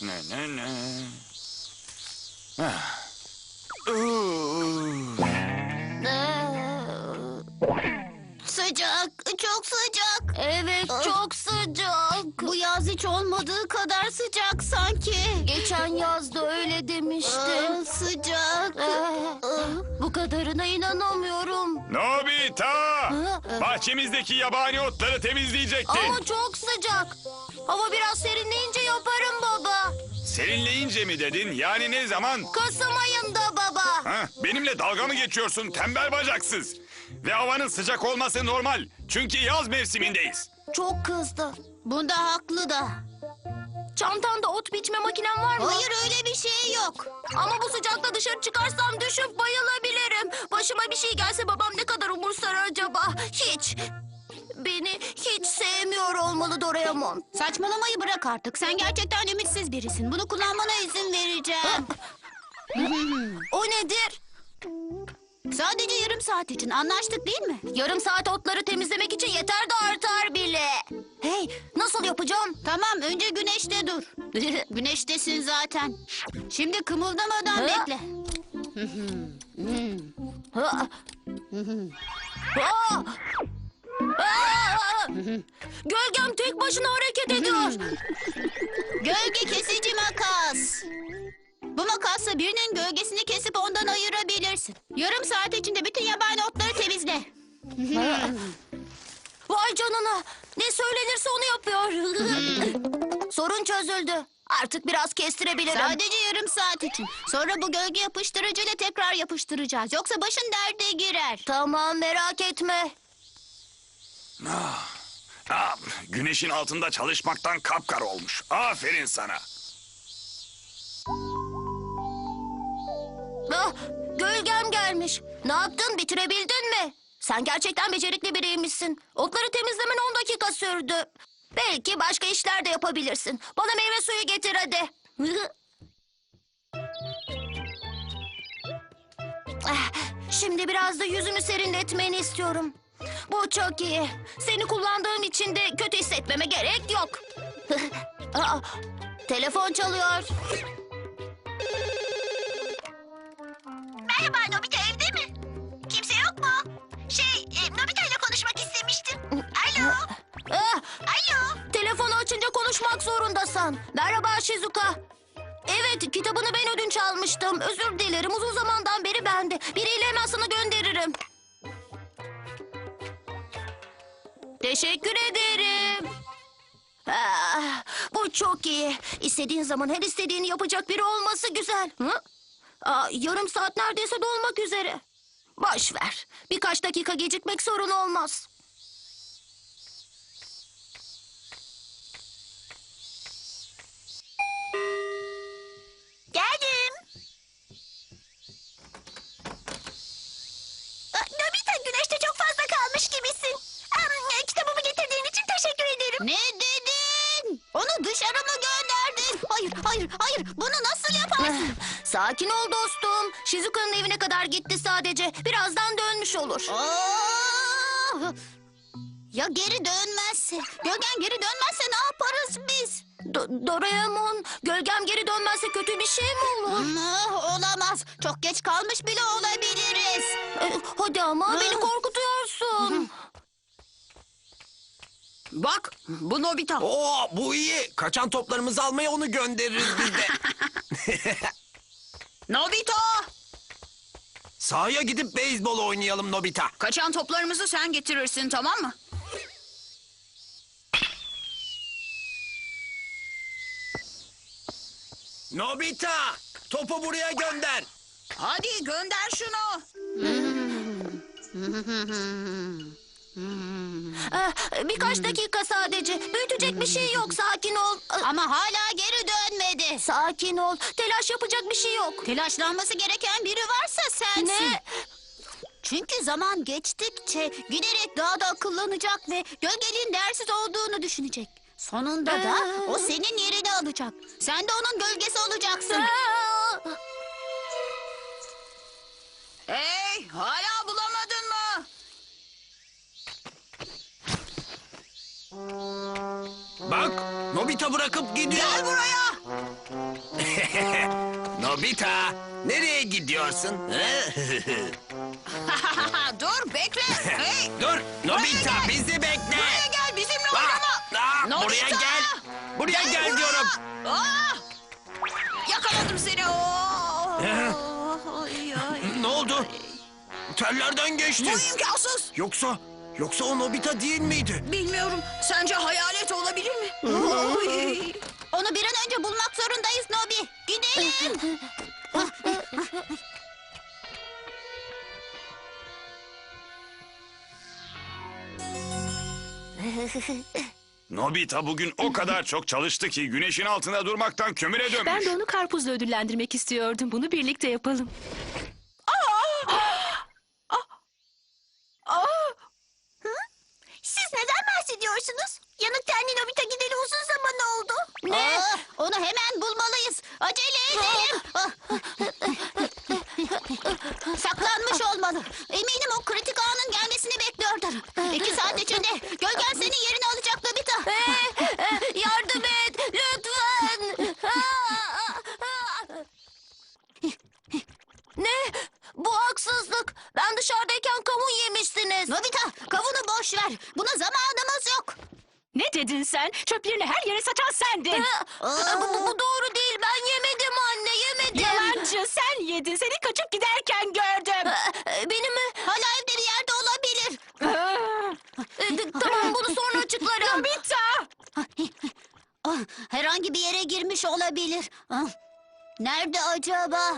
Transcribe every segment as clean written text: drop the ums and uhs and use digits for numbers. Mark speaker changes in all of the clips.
Speaker 1: Ne ne ne.
Speaker 2: Sıcak, çok sıcak. Evet, çok sıcak. Bu yaz hiç olmadığı kadar sıcak sanki. Geçen yaz da öyle demiştin. Sıcak. Bu kadarına inanamıyorum.
Speaker 1: Nobita! Bahçemizdeki yabani otları temizleyecektin.
Speaker 2: Ama çok sıcak. Hava biraz serinleyince yaparım baba.
Speaker 1: Serinleyince mi dedin? Yani ne zaman?
Speaker 2: Kasım ayında baba.
Speaker 1: Ha, benimle dalga mı geçiyorsun tembel bacaksız? Ve havanın sıcak olması normal. Çünkü yaz mevsimindeyiz.
Speaker 2: Çok kızdı. Bunda haklı da. Çantanda ot biçme makinen var mı? Hayır, öyle bir şey yok. Ama bu sıcakta dışarı çıkarsam düşüp bayılabilirim. Başıma bir şey gelse babam ne kadar umursar acaba? Hiç. Beni hiç sevmiyor olmalı Doraemon. Saçmalamayı bırak artık. Sen gerçekten ümitsiz birisin. Bunu kullanmana izin vereceğim. O nedir? Sadece yarım saat için anlaştık değil mi? Yarım saat otları temizlemek için yeter de artar bile. Hey, nasıl yapacağım? Tamam, önce güneşte dur. Güneştesin zaten. Şimdi kımıldamadan bekle. Gölgem tek başına hareket ediyor. Gölge kesici makas. Bu makasla birinin gölgesini kesip ondan ayırabilirsin. Yarım saat içinde bütün yabani otları temizle. Vay canına. Ne söylenirse onu yapıyor. Sorun çözüldü. Artık biraz kestirebilirim. Sadece yarım saat için. Sonra bu gölge yapıştırıcıyla tekrar yapıştıracağız. Yoksa başın derde girer. Tamam, merak etme.
Speaker 1: Güneşin altında çalışmaktan kapkara olmuş. Aferin sana.
Speaker 2: Gölgem gelmiş. Ne yaptın? Bitirebildin mi? Sen gerçekten becerikli biriymişsin. Otları temizlemen 10 dakika sürdü. Belki başka işler de yapabilirsin. Bana meyve suyu getir hadi. Şimdi biraz da yüzümü serinletmeni istiyorum. Bu çok iyi. Seni kullandığım için de kötü hissetmeme gerek yok. Telefon çalıyor.
Speaker 3: Merhaba, Nobita evde mi? Kimse yok mu? Nobita ile konuşmak istemiştim. Alo, alo.
Speaker 2: Telefonu açınca konuşmak zorundasın. Merhaba Shizuka. Evet, kitabını ben ödünç almıştım. Özür dilerim, uzun zamandan beri bende. Biriyle hemen sana gönderirim. Teşekkür ederim. Bu çok iyi. İstediğin zaman her istediğini yapacak biri olması güzel. Yarım saat neredeyse dolmak üzere. Boş ver. Birkaç dakika gecikmek sorun olmaz.
Speaker 3: Geldim. Nobita, güneşte çok fazla kalmış gibisin. Kitabımı getirdiğin için teşekkür ederim.
Speaker 2: Ne dedin? Onu dışarı mı gönderdin? Hayır. Bunu nasıl yaparsın? Sakin ol dostum. Shizuka'nın evine kadar gitti sadece. Birazdan dönmüş olur. Ya geri dönmezse? Gölgen geri dönmezse ne yaparız biz? Doraemon, gölgem geri dönmezse kötü bir şey mi olur? Olamaz. Çok geç kalmış bile olabiliriz. Hadi ama beni korkutuyorsun.
Speaker 4: Bak, bu Nobita.
Speaker 5: Oo, bu iyi. Kaçan toplarımızı almaya onu göndeririz biz de.
Speaker 4: Nobita!
Speaker 5: Sahaya gidip beyzbol oynayalım Nobita.
Speaker 4: Kaçan toplarımızı sen getirirsin, tamam mı?
Speaker 5: Nobita, topu buraya gönder.
Speaker 4: Hadi gönder şunu.
Speaker 2: Birkaç dakika sadece. Büyütecek bir şey yok. Sakin ol. Ama hala geri dönmedi. Sakin ol. Telaş yapacak bir şey yok. Telaşlanması gereken biri varsa sensin. Ne? Çünkü zaman geçtikçe giderek daha da akıllanacak ve gölgenin değersiz olduğunu düşünecek. Sonunda da o senin yerini alacak. Sen de onun gölgesi olacaksın.
Speaker 4: Hey, hala bulamadın mı?
Speaker 5: Bak, Nobita bırakıp gidiyor.
Speaker 4: Gel buraya.
Speaker 5: Nobita, nereye gidiyorsun?
Speaker 4: Dur bekle. Hey.
Speaker 5: Dur, Nobita
Speaker 4: gel.
Speaker 5: bizi bekle.
Speaker 4: Buraya gel bizimle
Speaker 5: Ah,
Speaker 4: oynama.
Speaker 5: ah,
Speaker 4: Nobita!
Speaker 5: buraya gel. Buraya gel
Speaker 4: buraya.
Speaker 5: diyorum.
Speaker 4: Aa! Yakaladım seni.
Speaker 5: Ne oldu? Tellerden geçti.
Speaker 4: Bu imkansız.
Speaker 5: Yoksa o Nobita değil miydi?
Speaker 4: Bilmiyorum. Sence hayalet olabilir mi?
Speaker 2: Onu bir an önce bulmak zorundayız Nobi. Gidelim.
Speaker 1: Nobita bugün o kadar çok çalıştı ki güneşin altında durmaktan kömüre dönmüş.
Speaker 6: Ben de onu karpuzla ödüllendirmek istiyordum. Bunu birlikte yapalım.
Speaker 2: Siz neden bahsediyorsunuz? Yanık tenli Nobita gideli uzun zaman oldu. Ne? Onu hemen bulmalıyız. Acele edelim. Saklanmış olmalı. Eminim o kritik anın gelmesini bekliyordur. 2 saat içinde gölgen senin yerini alacak Nobita. Yardım et lütfen. Ne? Bu haksızlık. Ben dışarıdayken kavun yemişsiniz. Nobita, kavunu boş ver. Buna zamanımız yok.
Speaker 6: Ne dedin sen? Çöplerini her yere saçan sendin.
Speaker 2: Bu doğru değil. Ben yemedim anne, yemedim.
Speaker 6: Yalancı, sen yedin. Seni kaçıp giderken gördüm.
Speaker 2: Benim mi? Hala evde bir yerde olabilir. Tamam, bunu sonra açıklarım.
Speaker 6: Nobita!
Speaker 2: Herhangi bir yere girmiş olabilir. Nerede acaba?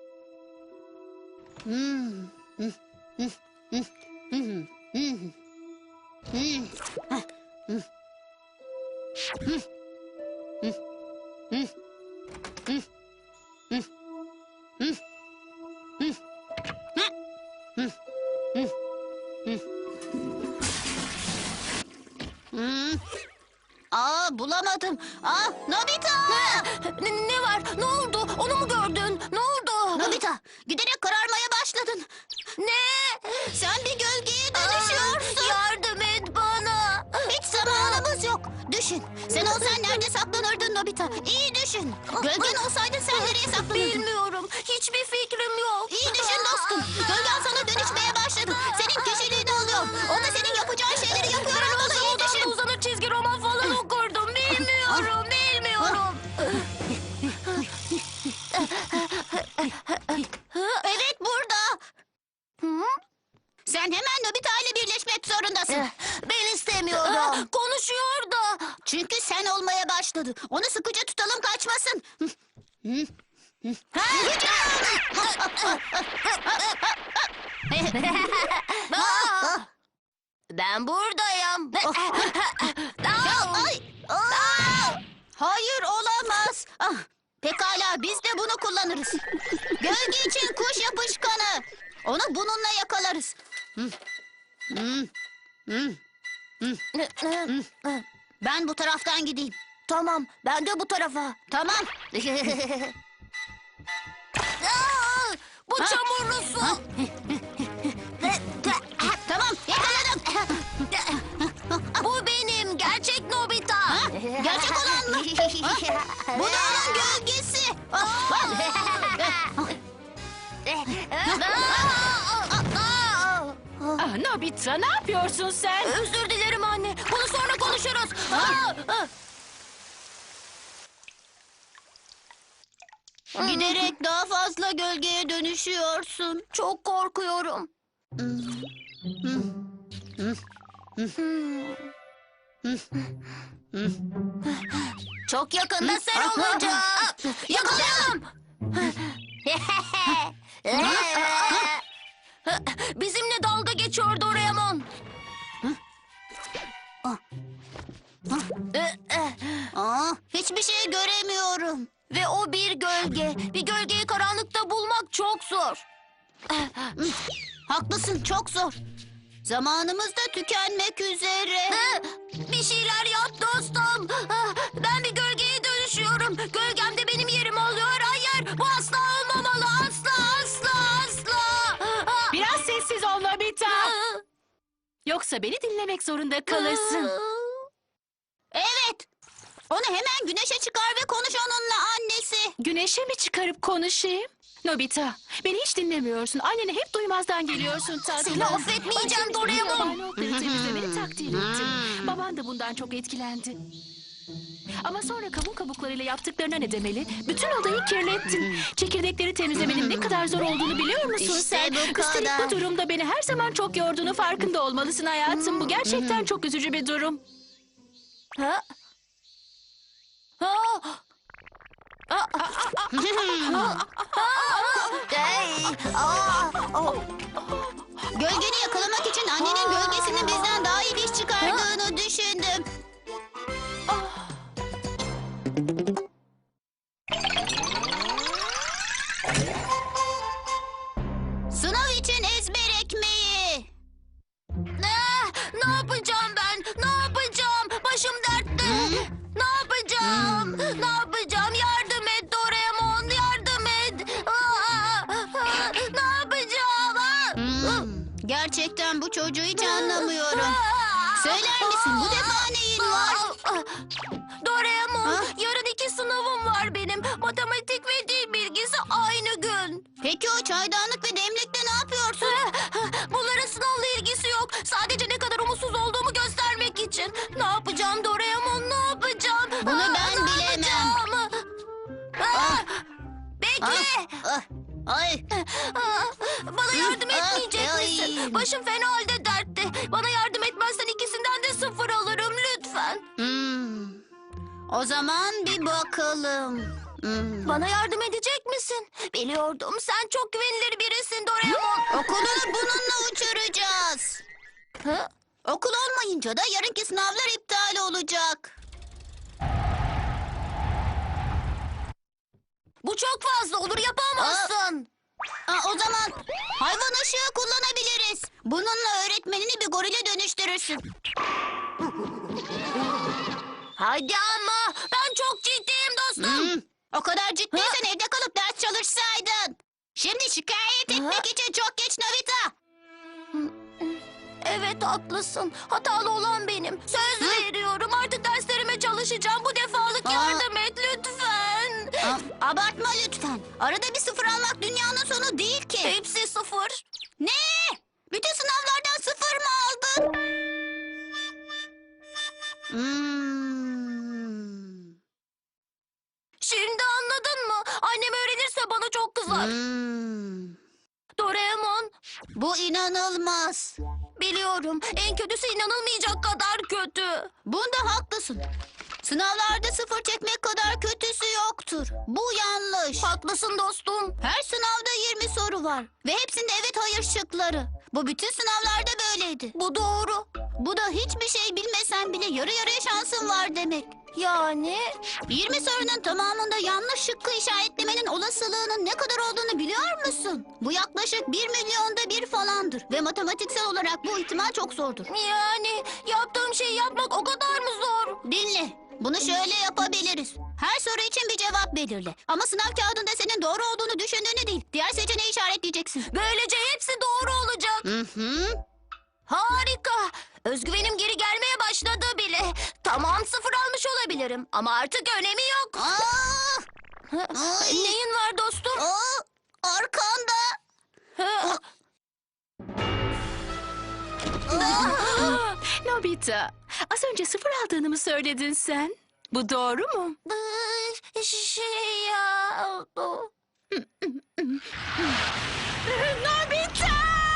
Speaker 2: Bulamadım. Nobita! Ne var? Ne oldu? Onu mu gördün? Ne oldu? Nobita, giderek kararmaya başladın. Ne? Sen bir gölgeye dönüşüyorsun. Yardım et bana. Hiç zamanımız yok. Düşün. Sen olsan nerede saklanırdın Nobita? İyi düşün. Gölgen olsaydı sen nereye saklanırdın? Bilmiyorum. Hiçbir fikrim yok. İyi düşün dostum. Gölgen sana dönüşmeye başladı. Senin kişiliğini alıyor. O da senin yapacağın şeyleri yapıyor olmalı. İyi düşün. Uzanır çizgi roman falan okurdum. Bilmiyorum. Evet burada. Sen hemen Nobita ile birleşmek zorundasın. Ben istemiyorum. Konuşuyor da. Çünkü sen olmaya başladı. Onu sıkıca tutalım kaçmasın. Ben buradayım. Hayır olamaz. Pekala biz de bunu kullanırız. Gölge için kuş yapışkanı. Onu bununla yakalarız. Ben bu taraftan gideyim. Tamam, ben de bu tarafa. Tamam. Bu çamurlu su. Tamam, yakaladım. Bu benim gerçek Nobita. Gerçek olan mı? Bu da onun gölgesi.
Speaker 6: Nobita, ne yapıyorsun sen?
Speaker 2: Özür dilerim anne. Bunu sonra konuşuruz. Giderek daha fazla gölgeye dönüşüyorsun. Çok korkuyorum. Çok yakında sen olacaksın. Yakalayalım. Bizimle dalga geçiyor Doraemon. Hiçbir şey göremiyorum. Ve o bir gölge. Bir gölgeyi karanlıkta bulmak çok zor. Haklısın, çok zor. Zamanımız da tükenmek üzere. Bir şeyler yap dostum. Ben bir gölgeye dönüşüyorum. Gölgem de benim yerimi alıyor. Hayır, bu asla olmamalı. Asla, asla, asla.
Speaker 6: Biraz sessiz ol Nobita. Yoksa beni dinlemek zorunda kalırsın.
Speaker 2: Evet.
Speaker 6: O
Speaker 2: Onu hemen güneşe çıkar ve konuş onunla annesi.
Speaker 6: Güneşe mi çıkarıp konuşayım? Nobita, beni hiç dinlemiyorsun. Annene hep duymazdan geliyorsun tatlım.
Speaker 2: Seni affetmeyeceğim Doraemon.
Speaker 6: Yabani otları temizlemeni takdir ettim. Baban da bundan çok etkilendi. Ama sonra kavun kabuklarıyla yaptıklarına ne demeli? Bütün odayı kirlettin. Çekirdekleri temizlemenin ne kadar zor olduğunu biliyor musun
Speaker 2: İşte
Speaker 6: sen?
Speaker 2: bu
Speaker 6: Üstelik
Speaker 2: kadar.
Speaker 6: bu durumda beni her zaman çok yorduğunu farkında olmalısın hayatım. Bu gerçekten çok üzücü bir durum.
Speaker 2: Ha? Ha? Gölgeni yakalamak için annenin gölgesinin bizden daha iyi bir iş çıkardığını düşündüm. Sınav için ezber ekmeği. Ne yapacağım ben? Ne yapacağım? Başım dertte. Ne yapacağım? Ne yapacağım? Yardım et Doraemon, yardım et. Ne yapacağım? Gerçekten bu çocuğu hiç anlamıyorum. Söyler misin bu defa neyin var? Doraemon, yarın 2 sınavım var benim. Matematik ve dil bilgisi aynı gün. Peki o çaydanlık ve demlikle ne yapıyorsun? Bunların sınavla ilgisi yok. Sadece ne kadar umutsuz olduğumu göstermek için. Ne yapacağım Doraemon, ne yapacağım? Bunu ben bilemem. Bekle. Ay. Bana yardım etmeyecek misin? Başım fena halde dertte. Bana yardım etmezsen ikisinden de 0 alırım lütfen. O zaman bir bakalım. Bana yardım edecek misin? Biliyordum sen çok güvenilir birisin Doraemon. Okulunu bununla uçuracağız. Okul olmayınca da yarınki sınavlar iptal olacak. Bu çok fazla olur yapamazsın. O zaman hayvan ışığı kullanabiliriz. Bununla öğretmenini bir gorile dönüştürürsün. Hadi ama ben çok ciddiyim dostum. O kadar ciddiysen evde kalıp ders çalışsaydın. Şimdi şikayet etmek için çok geç Nobita. Evet haklısın. Hatalı olan benim. Söz veriyorum artık derslerime çalışacağım. Bu defalık yardım et lütfen. Abartma lütfen. Arada bir 0 almak dünyanın sonu değil ki. Hepsi 0. Ne? Bütün sınavlardan 0 mı aldın? Şimdi anladın mı? Annem öğrenirse bana çok kızar. Doraemon. Bu inanılmaz. Biliyorum. En kötüsü inanılmayacak kadar kötü. Bunda haklısın. Sınavlarda 0 çekmek kadar kötüsü yoktur. Bu yanlış. Haklısın dostum. Her sınavda 20 soru var. Ve hepsinde evet hayır şıkları. Bu bütün sınavlarda böyleydi. Bu doğru. Bu da hiçbir şey bilmesen bile yarı yarıya şansın var demek. Yani? 20 sorunun tamamında yanlış şıkkı işaretlemenin olasılığının ne kadar olduğunu biliyor musun? Bu yaklaşık 1 milyonda 1 falandır. Ve matematiksel olarak bu ihtimal çok zordur. Yani yaptığım şeyi yapmak o kadar mı zor? Dinle. Bunu şöyle yapabiliriz. Her soru için bir cevap belirle. Ama sınav kağıdında senin doğru olduğunu düşündüğünü değil, diğer seçeneği işaretleyeceksin. Böylece hepsi doğru olacak. Harika. Özgüvenim geri gelmeye başladı bile. Tamam 0 almış olabilirim ama artık önemi yok. Neyin var dostum? Arkanda.
Speaker 6: Nobita, az önce 0 aldığını mı söyledin sen? Bu doğru mu?
Speaker 2: Şey ya.
Speaker 6: Nobita!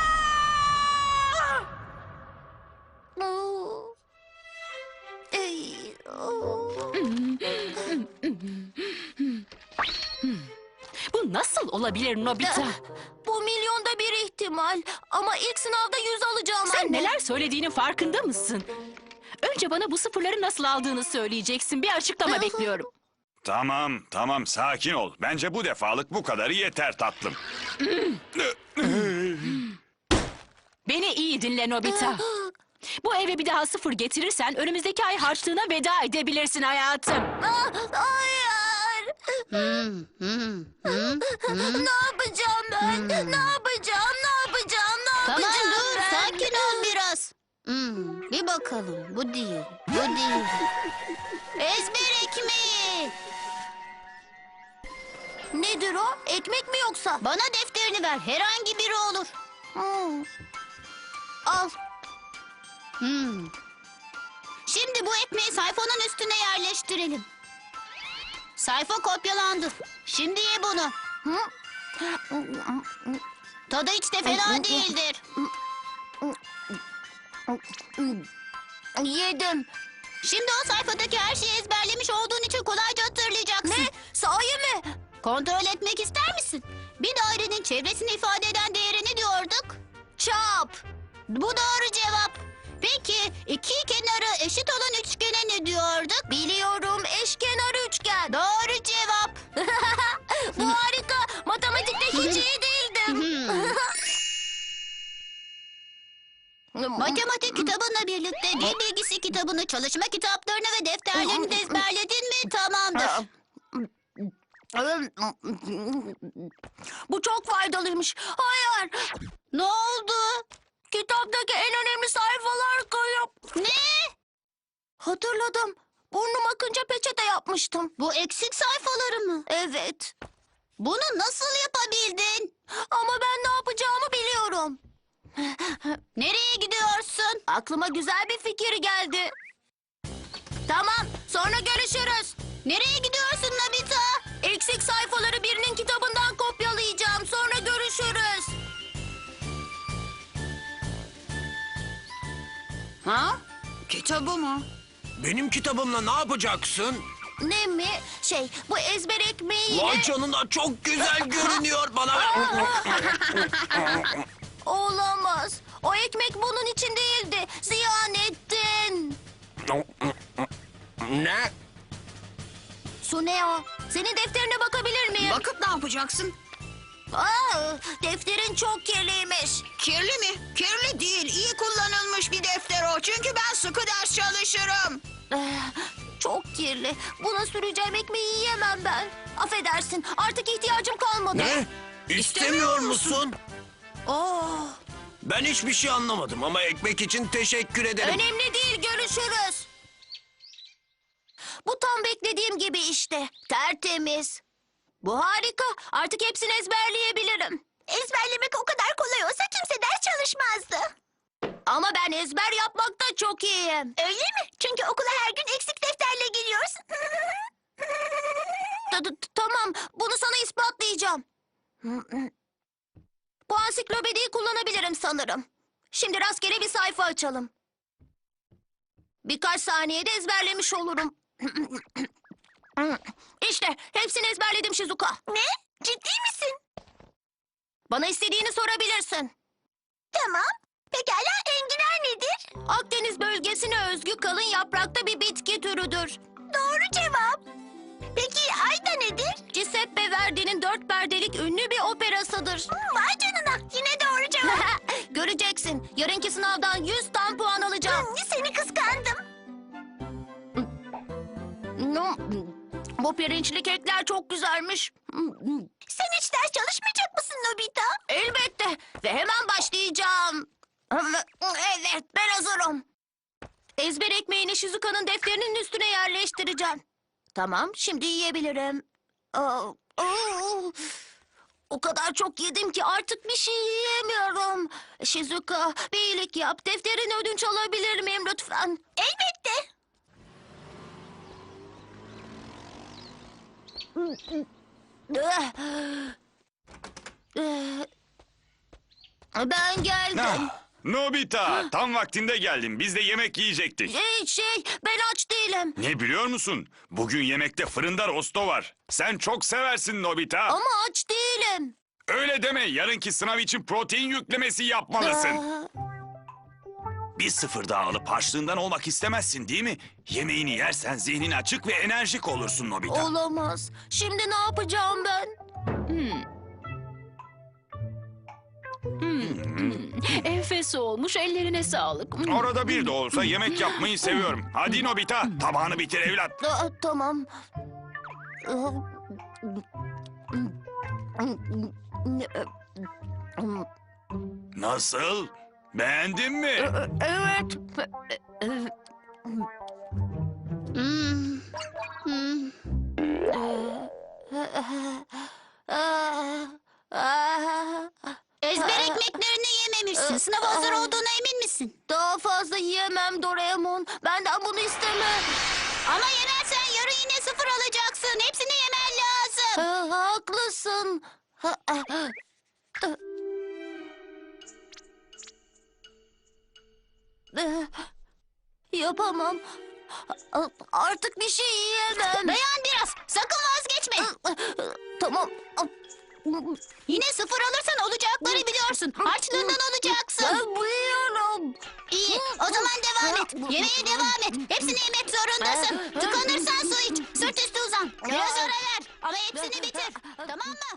Speaker 6: Bu nasıl olabilir Nobita?
Speaker 2: Bu milyonda bir ihtimal. Ama ilk sınavda 100 alacağım
Speaker 6: Sen
Speaker 2: anne.
Speaker 6: neler söylediğinin farkında mısın? Önce bana bu 0'ları nasıl aldığını söyleyeceksin. Bir açıklama bekliyorum.
Speaker 1: Tamam sakin ol. Bence bu defalık bu kadarı yeter tatlım.
Speaker 6: Beni iyi dinle Nobita. Bu eve bir daha 0 getirirsen önümüzdeki ay harçlığına veda edebilirsin hayatım.
Speaker 2: Hayır. Ne yapacağım ben? Ne yapacağım? Ne yapacağım? Ne yapacağım
Speaker 7: Tamam dur
Speaker 2: ben?
Speaker 7: sakin ol biraz.
Speaker 2: Bir bakalım. Bu değil. Bu değil. Ezber ekmeği. Nedir o? Ekmek mi yoksa? Bana defterini ver. Herhangi biri olur. Al. Şimdi bu ekmeği sayfanın üstüne yerleştirelim. Sayfa kopyalandı. Şimdi ye bunu. Tadı hiç de fena değildir. Yedim. Şimdi o sayfadaki her şeyi ezberlemiş olduğun için kolayca hatırlayacaksın. Ne? Sahi mi? Kontrol etmek ister misin? Bir dairenin çevresini ifade eden değere ne diyorduk? Çap. Bu doğru cevap. Peki iki kenarı eşit olan üçgene ne diyorduk? Biliyorum, eşkenar üçgen. Doğru cevap. Bu harika. Matematikte hiç iyi değildim. Matematik kitabınla birlikte dil bilgisi kitabını, çalışma kitaplarını ve defterlerini de ezberledin mi? Tamamdır. Bu çok faydalıymış. Hayır. Ne oldu? Kitaptaki en önemli sayfalar kayıp. Ne? Hatırladım. Burnum akınca peçete yapmıştım. Bu eksik sayfaları mı? Evet. Bunu nasıl yapabildin? Ama ben ne yapacağımı biliyorum. Nereye gidiyorsun? Aklıma güzel bir fikir geldi. Tamam, sonra görüşürüz. Nereye gidiyorsun Nobita? Eksik sayfaları birinin kitabından kopyalayacağım. Sonra görüşürüz.
Speaker 4: Ha? Kitabı mı?
Speaker 5: Benim kitabımla ne yapacaksın?
Speaker 2: Ne mi? Bu ezber ekmeğiyle...
Speaker 5: Vay canına, çok güzel görünüyor bana.
Speaker 2: Olamaz. O ekmek bunun için değildi. Ziyan ettin.
Speaker 5: Ne?
Speaker 2: Suneo, senin defterine bakabilir miyim?
Speaker 4: Bakıp ne yapacaksın?
Speaker 2: Defterin çok kirliymiş.
Speaker 4: Kirli mi? Kirli değil. İyi kullanılmış bir defter o. Çünkü ben sıkı ders çalışırım.
Speaker 2: Çok kirli. Buna süreceğim ekmeği yiyemem ben. Affedersin, artık ihtiyacım kalmadı.
Speaker 5: Ne? İstemiyor musun?
Speaker 2: Oh,
Speaker 5: Ben hiçbir şey anlamadım ama ekmek için teşekkür ederim.
Speaker 2: önemli değil, görüşürüz. Bu tam beklediğim gibi işte. Tertemiz. Bu harika. Artık hepsini ezberleyebilirim.
Speaker 3: Ezberlemek o kadar kolay olsa kimse ders çalışmazdı.
Speaker 2: Ama ben ezber yapmakta çok iyiyim.
Speaker 3: Öyle mi? Çünkü okula her gün eksik defterle geliyorsun.
Speaker 2: Tamam, bunu sana ispatlayacağım. Bu ansiklopediyi kullanabilirim sanırım. Şimdi rastgele bir sayfa açalım. Birkaç saniyede ezberlemiş olurum. İşte hepsini ezberledim Shizuka.
Speaker 3: Ne? Ciddi misin?
Speaker 2: Bana istediğini sorabilirsin.
Speaker 3: Tamam. Pekala, enginar nedir?
Speaker 2: Akdeniz bölgesine özgü kalın yaprakta bir bitki türüdür.
Speaker 3: Doğru cevap. Peki ayda nedir?
Speaker 2: Giuseppe Verdi'nin 4 perdelik ünlü bir operasıdır.
Speaker 3: Vay canına, yine doğru cevap.
Speaker 2: Göreceksin. Yarınki sınavdan 100 tam puan alacağım.
Speaker 3: Seni kıskandım.
Speaker 2: Bu pirinçli kekler çok güzelmiş.
Speaker 3: Sen hiç ders çalışmayacak mısın Nobita?
Speaker 2: Elbette. Ve hemen başlayacağım. Evet, ben hazırım. Ezber ekmeğini Shizuka'nın defterinin üstüne yerleştireceğim. Tamam, şimdi yiyebilirim. O kadar çok yedim ki artık bir şey yiyemiyorum. Shizuka, bir iyilik yap. Defterini ödünç alabilir miyim lütfen?
Speaker 3: Elbette.
Speaker 2: Ben geldim.
Speaker 1: Nobita, tam vaktinde geldin. Biz de yemek yiyecektik.
Speaker 2: Ben aç değilim.
Speaker 1: Ne biliyor musun? Bugün yemekte fırında rosto var. Sen çok seversin Nobita.
Speaker 2: Ama aç değilim.
Speaker 1: Öyle deme. Yarınki sınav için protein yüklemesi yapmalısın. Bir sıfır daha alıp harçlığından olmak istemezsin değil mi? Yemeğini yersen zihnin açık ve enerjik olursun Nobita.
Speaker 2: Olamaz. Şimdi ne yapacağım ben?
Speaker 6: Enfes olmuş, ellerine sağlık.
Speaker 1: Orada bir de olsa yemek yapmayı seviyorum. Hadi Nobita, tabağını bitir evlat.
Speaker 2: Tamam.
Speaker 1: Nasıl? Beğendin mi?
Speaker 2: Evet.
Speaker 3: Ezber ekmeklerini yememişsin. Sınav hazır olduğuna emin misin?
Speaker 2: Daha fazla yiyemem Doraemon. Benden bunu isteme.
Speaker 3: Ama yemezsen yarın yine 0 alacaksın. Hepsini yemen lazım.
Speaker 2: Haklısın. Yapamam. Artık bir şey yiyemem.
Speaker 3: Dayan biraz. Sakın vazgeçme.
Speaker 2: Tamam.
Speaker 3: Yine 0 alırsan olacakları biliyorsun. Harçlığından alacaksın.
Speaker 2: Ben biliyorum.
Speaker 3: İyi. O zaman devam et. Yemeğe devam et. Hepsini yemek zorundasın. Tıkanırsan su iç. Sırt üstü uzan. Biraz ara ver. Ama hepsini bitir. Tamam mı?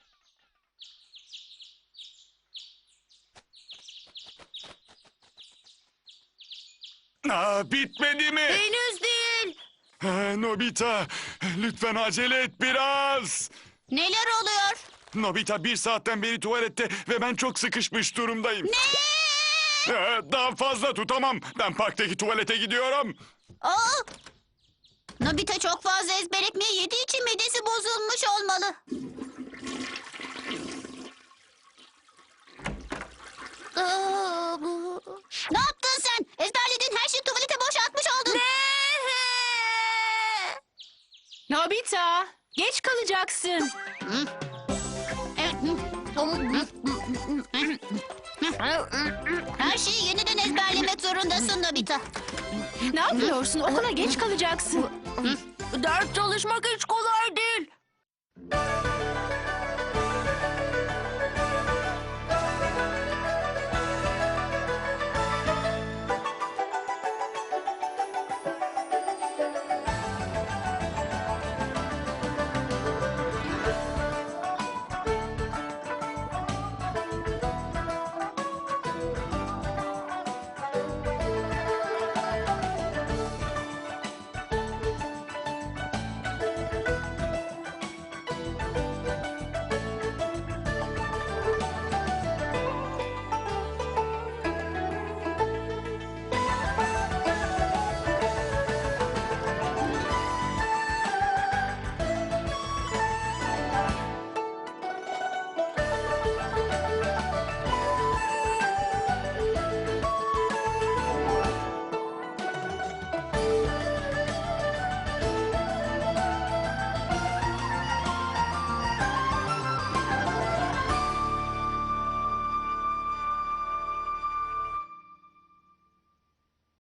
Speaker 1: Bitmedi mi?
Speaker 2: Henüz değil.
Speaker 1: Nobita, lütfen acele et biraz.
Speaker 3: Neler oluyor?
Speaker 1: Nobita 1 saatten beri tuvalette ve ben çok sıkışmış durumdayım.
Speaker 3: Ne?
Speaker 1: Daha fazla tutamam. Ben parktaki tuvalete gidiyorum.
Speaker 3: Aa! Nobita çok fazla ezber ekmeği yediği için midesi bozulmuş olmalı. Ne yaptın sen? Ezberlediğin her şeyi tuvalete boşaltmış oldun.
Speaker 6: Nobita, geç kalacaksın.
Speaker 3: Her şeyi yeniden ezberlemek zorundasın Nobita.
Speaker 6: Ne yapıyorsun? Okula geç kalacaksın.
Speaker 2: Ders çalışmak hiç kolay